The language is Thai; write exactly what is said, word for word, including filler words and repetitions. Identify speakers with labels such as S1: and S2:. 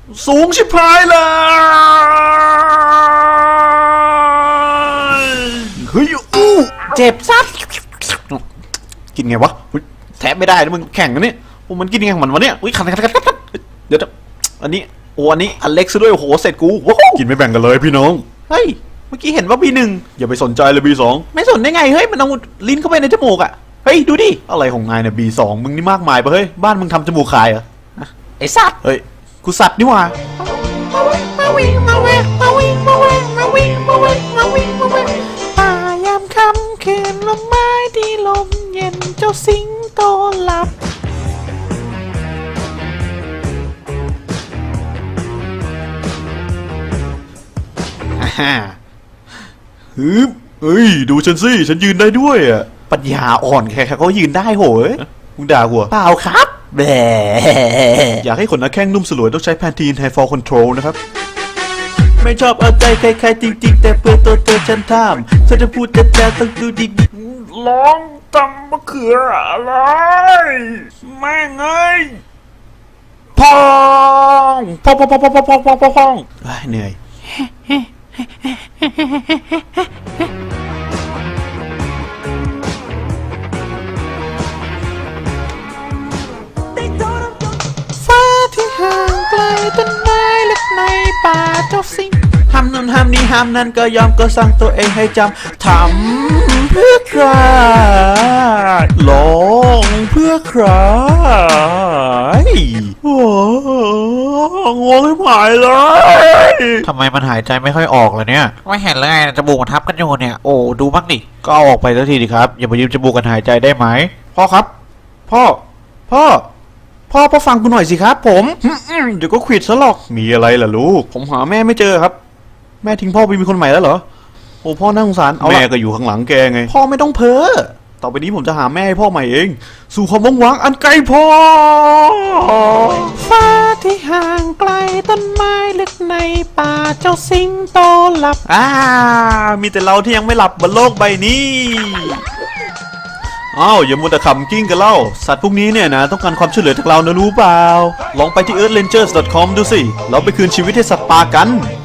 S1: สูงชิบหายเลยเฮ้ยอู้เจ็บซัดกินไงวะแทบไม่ได้นะมึงแข่งกันนี่โอ้มันกินยังไงมันวะเนี่ยอุ้ยขันขันขันขันเดี๋ยวอันนี้โอ้อันนี้อเล็กซ์ด้วยโอ้โหเสร็จกูกินไม่แบ่งกันเลยพี่น้องเฮ้ยเมื่อกี้เห็นว่าบีหนึ่งอย่าไปสนใจเลยบีสองไม่สนได้ไงเฮ้ยมันเอาลิ้นเข้าไปในจมูกอ่ะเฮ้ยดูดิอะไรของนายเนี่ยบีสองมึงนี่มากมายปะเฮ้ยบ้านมึงทำจมูกขายเหรอไอ้สัตว์เฮ้ยกูสัตว์นี่หว่ามาวิ่งมาแวะมาวิ่งมาแวะมาวิ่งมาแวะมาวิ่งมาแวะป่ายามค่ำคืนลมไม้ที่ลมเย็นเจ้าสิงโตหลับฮ่าฮึบเฮ้ยดูฉันสิฉันยืนได้ด้วยอ่ะปัญญาอ่อนแค่เขายืนได้โหยมึงด่าหัวเปล่าครับแหมอยากให้ขนหน้าแข้งนุ่มสลวยต้องใช้แพนทีนไฮฟอร์คอนโทรลนะครับไม่ชอบเอาใจใครๆจริงๆแต่เพื่อตัวเธอฉันทำฉันจะพูดแต่แต่ต้องดูดีๆร้องตำมะเขืออะไรแม่งเอ้ยพองพองพองพองพองพองพองพองพองพองเหนื่อยฟ้าที่ห่างไกลต้นไม้เล็กในป่าเจ้าสิงห้ามนั่นห้ามนี้ห้ามนั่นก็ยอมก็สั่งตัวเองให้จำทำเพื่อใครลองเพื่อใครโอ้งงไม่หายเลยทำไมมันหายใจไม่ค่อยออกเลยเนี่ยไม่เห็นเลยจมูกมันทับกันอยู่เนี่ยโอ้ดูบ้างดิก็เอาออกไปสักทีดิครับอย่ามายืมจมูกกันหายใจได้ไหมพ่อครับพ่อพ่อพ่อพ่อฟังกูหน่อยสิครับผมเดี๋ยวก็ขวิดซะหรอกมีอะไรล่ะลูกผมหาแม่ไม่เจอครับแม่ทิ้งพ่อไปมีคนใหม่แล้วเหรอโอ้พ่อน่าสงสารแม่ก็อยู่ข้างหลังแกไงพ่อไม่ต้องเพ้อต่อไปนี้ผมจะหาแม่ให้พ่อใหม่เองสู่ความว่างวังอันไกลโพ้นฟ้าที่ห่างไกลต้นไม้ลึกในป่าเจ้าสิงโตหลับอ่ามีแต่เราที่ยังไม่หลับบนโลกใบนี้อ้าวอย่ามัวแต่ขำกิ้งกันเล่าสัตว์พวกนี้เนี่ยนะต้องการความช่วยเหลือจากเรานะรู้เปล่าลองไปที่ เอิร์ธเรนเจอร์ส ดอท คอม ดูสิเราไปคืนชีวิตให้สัตว์ป่ากัน